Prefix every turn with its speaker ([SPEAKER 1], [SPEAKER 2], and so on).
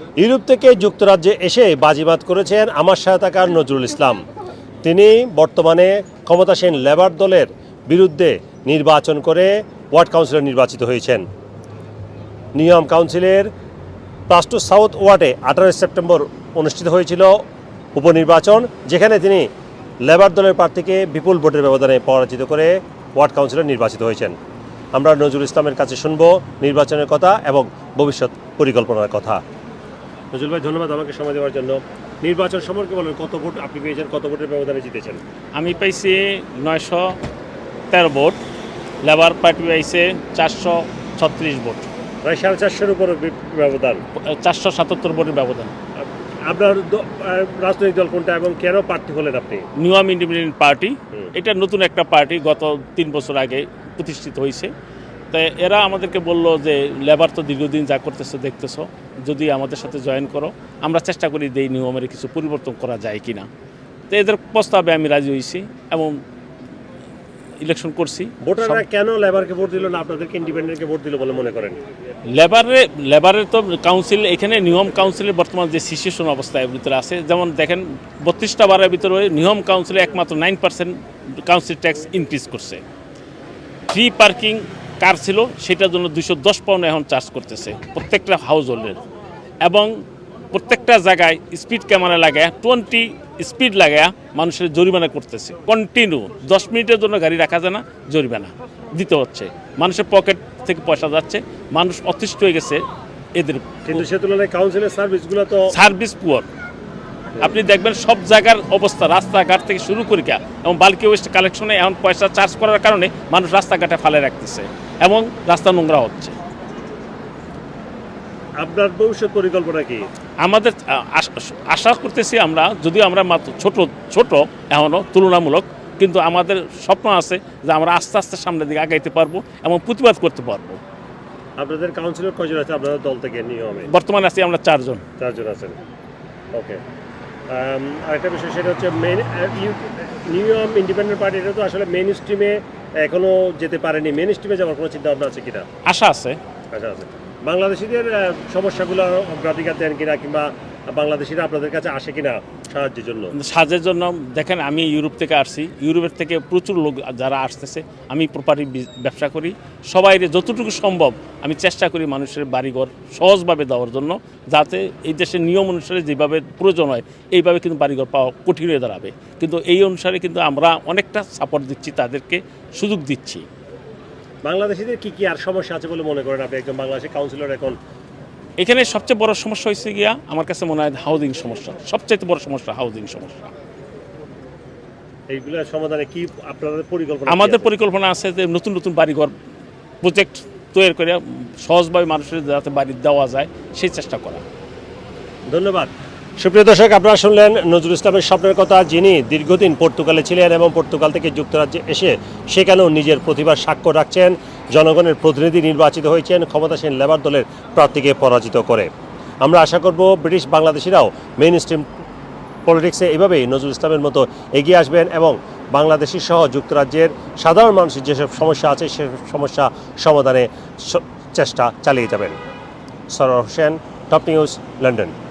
[SPEAKER 1] Europe থেকে যুক্তরাজ্যে এসে বাজিমাত করেছেন আমার সহায়তাকার নজরুল ইসলাম। তিনি বর্তমানে ক্ষমতাসীন লেবার দলের বিরুদ্ধে নির্বাচন করে ওয়ার্ড কাউন্সিলর নির্বাচিত হয়েছেন। নিয়ম কাউন্সিলের প্লাস 2 সাউথ ওয়ার্ডে 18 সেপ্টেম্বর অনুষ্ঠিত হয়েছিল উপনির্বাচন, যেখানে তিনি লেবার দলের প্রার্থীকে বিপুল ভোটের ব্যবধানে পরাজিত করে ওয়ার্ড কাউন্সিলর নির্বাচিত হয়েছেন। আমরা নজরুল ইসলামের কাছে শুনব নির্বাচনের কথা এবং ভবিষ্যৎ পরিকল্পনার কথা। নজরুল ভাই, ধন্যবাদ আমাকে সময় দেওয়ার জন্য। নির্বাচন সম্পর্কে বলেন, কত ভোট আপনি পেয়েছেন, কত ভোটের ব্যবধানে জিতেছেন?
[SPEAKER 2] আমি পাইছি 913 ভোট, লেবার পার্টি পাইছে 436 ভোট,
[SPEAKER 1] প্রায় 450-এর উপর ব্যবধান,
[SPEAKER 2] 477 ভোটের ব্যবধান।
[SPEAKER 1] আপনার রাজনৈতিক দল কোনটা এবং কেন প্রার্থী হলেন আপনি?
[SPEAKER 2] নিউ ইন্ডিপেন্ডেন্ট পার্টি, এটা নতুন একটা পার্টি, গত 3 বছর আগে প্রতিষ্ঠিত হয়েছে। তাই এরা আমাদেরকে বলল যে লেবার তো দীর্ঘদিন যা করতেছো দেখতেছো, যদি আমাদের সাথে জয়েন করো, আমরা চেষ্টা করি যে এই নিয়মের কিছু পরিবর্তন করা যায় কি না। তো এদের প্রস্তাবে আমি রাজি হয়েছি এবং ইলেকশন করছি।
[SPEAKER 1] ভোটাররা কেন লেবারকে ভোট দিল না আপনাদেরকে ইন্ডিপেন্ডেন্টকে ভোট দিল বলে মনে করেন?
[SPEAKER 2] লেবারের তো কাউন্সিল, এখানে নিয়ম কাউন্সিলের বর্তমান যে সিচুয়েশন অবস্থায় ভিতরে আছে, যেমন দেখেন 32টা বারের ভিতরে নিয়ম কাউন্সিলে একমাত্র 9% কাউন্সিল ট্যাক্স ইনক্রিজ করছে। ফ্রি পার্কিং কার ছিল সেটার জন্য 210 পাউন্ড এখন চার্জ করতেছে প্রত্যেকটা হাউস হোল্ডের, এবং প্রত্যেকটা জায়গায় স্পিড ক্যামেরা লাগায় 20 স্পিড লাগায় মানুষের জরিমানা করতেছে কন্টিনিউ। 10 মিনিটের জন্য গাড়ি রাখা যায় না, জরিমানা দিতে হচ্ছে। মানুষের পকেট থেকে পয়সা যাচ্ছে, মানুষ অতিষ্ঠ হয়ে গেছে এদের।
[SPEAKER 1] কিন্তু সে তুলনায় কাউন্সিলের সার্ভিসগুলো তো
[SPEAKER 2] সার্ভিস পুয়ার। আপনি দেখবেন সব জায়গার অবস্থা, রাস্তাঘাট থেকে শুরু করি এবং বাল্কি ওয়েস্ট কালেকশনে এখন পয়সা চার্জ করার কারণে মানুষ রাস্তাঘাটে ফালে রাখতেছে এবং রাস্তা নোংরা হচ্ছে।
[SPEAKER 1] আপনার ভবিষ্যৎ পরিকল্পনা কি?
[SPEAKER 2] আমাদের আশা করতেছি আমরা, যদিও আমরা মাত্র ছোট এখনও তুলনামূলক, কিন্তু আমাদের স্বপ্ন আছে যে আমরা আস্তে আস্তে সামনের দিকে আগাইতে পারবো এবং প্রতিবাদ করতে পারবো।
[SPEAKER 1] আপনাদের কাউন্সিলর কয়জন আছে আপনাদের দল থেকে নিয়মে?
[SPEAKER 2] বর্তমানে আছি আমরা 4 জন
[SPEAKER 1] আছেন। ওকে, আরেকটা বিষয় সেটা হচ্ছে নিয়ম ইন্ডিপেন্ডেন্ট পার্টি, এটা তো আসলে মেইন স্ট্রিমে এখনো যেতে পারেনি। মেইন স্ট্রিমে যাওয়ার কোনো চিন্তা ভাবনা আছে কিনা?
[SPEAKER 2] আশা আছে।
[SPEAKER 1] বাংলাদেশিদের সমস্যাগুলো অগ্রাধিকার দেন কিনা, কিংবা বাংলাদেশিরা আপনাদের কাছে আসে কিনা সাহায্যের জন্য?
[SPEAKER 2] দেখেন, আমি ইউরোপ থেকে আসছি, ইউরোপের থেকে প্রচুর লোক যারা আসতেছে। আমি প্রপার্টি ব্যবসা করি, সবাই যতটুকু সম্ভব আমি চেষ্টা করি মানুষের বাড়িঘর সহজভাবে দেওয়ার জন্য, যাতে এই দেশের নিয়ম অনুসারে যেভাবে প্রয়োজন হয় এইভাবে কিন্তু বাড়িঘর পাওয়া কঠিন হয়ে দাঁড়াবে। কিন্তু এই অনুসারে কিন্তু আমরা অনেকটা সাপোর্ট দিচ্ছি, তাদেরকে সুযোগ দিচ্ছি।
[SPEAKER 1] বাংলাদেশিদের কি আর সমস্যা আছে বলে মনে করেন আপনি একজন বাংলাদেশি কাউন্সিলর? এখন
[SPEAKER 2] এখানে সবচেয়ে বড় সমস্যা হয়েছে গিয়া আমার কাছে মনে হয় হাউজিং সমস্যা, সবচেয়ে বড় সমস্যা হাউজিং সমস্যা।
[SPEAKER 1] এইগুলোর সমাধানে কি আপনাদের পরিকল্পনা?
[SPEAKER 2] আমাদের পরিকল্পনা আছে যে নতুন নতুন বাড়িঘর প্রজেক্ট তৈরি করে সহজভাবে মানুষের যাতে বাড়ি দেওয়া যায় সেই চেষ্টা করা।
[SPEAKER 1] ধন্যবাদ। সুপ্রিয় দর্শক, আপনারা শুনলেন নজরুল ইসলামের স্বপ্নের কথা, যিনি দীর্ঘদিন পর্তুগালে ছিলেন এবং পর্তুগাল থেকে যুক্তরাজ্যে এসে সেখানেও নিজের প্রতিভার স্বাক্ষর রাখছেন, জনগণের প্রতিনিধি নির্বাচিত হয়েছেন ক্ষমতাসীন লেবার দলের প্রার্থীকে পরাজিত করে। আমরা আশা করব ব্রিটিশ বাংলাদেশিরাও মেইন স্ট্রিম পলিটিক্সে এভাবেই নজরুল ইসলামের মতো এগিয়ে আসবেন এবং বাংলাদেশি সহ যুক্তরাজ্যের সাধারণ মানুষের যেসব সমস্যা আছে সেসব সমস্যা সমাধানে চেষ্টা চালিয়ে যাবেন। Sarowar Hossain, top news, London.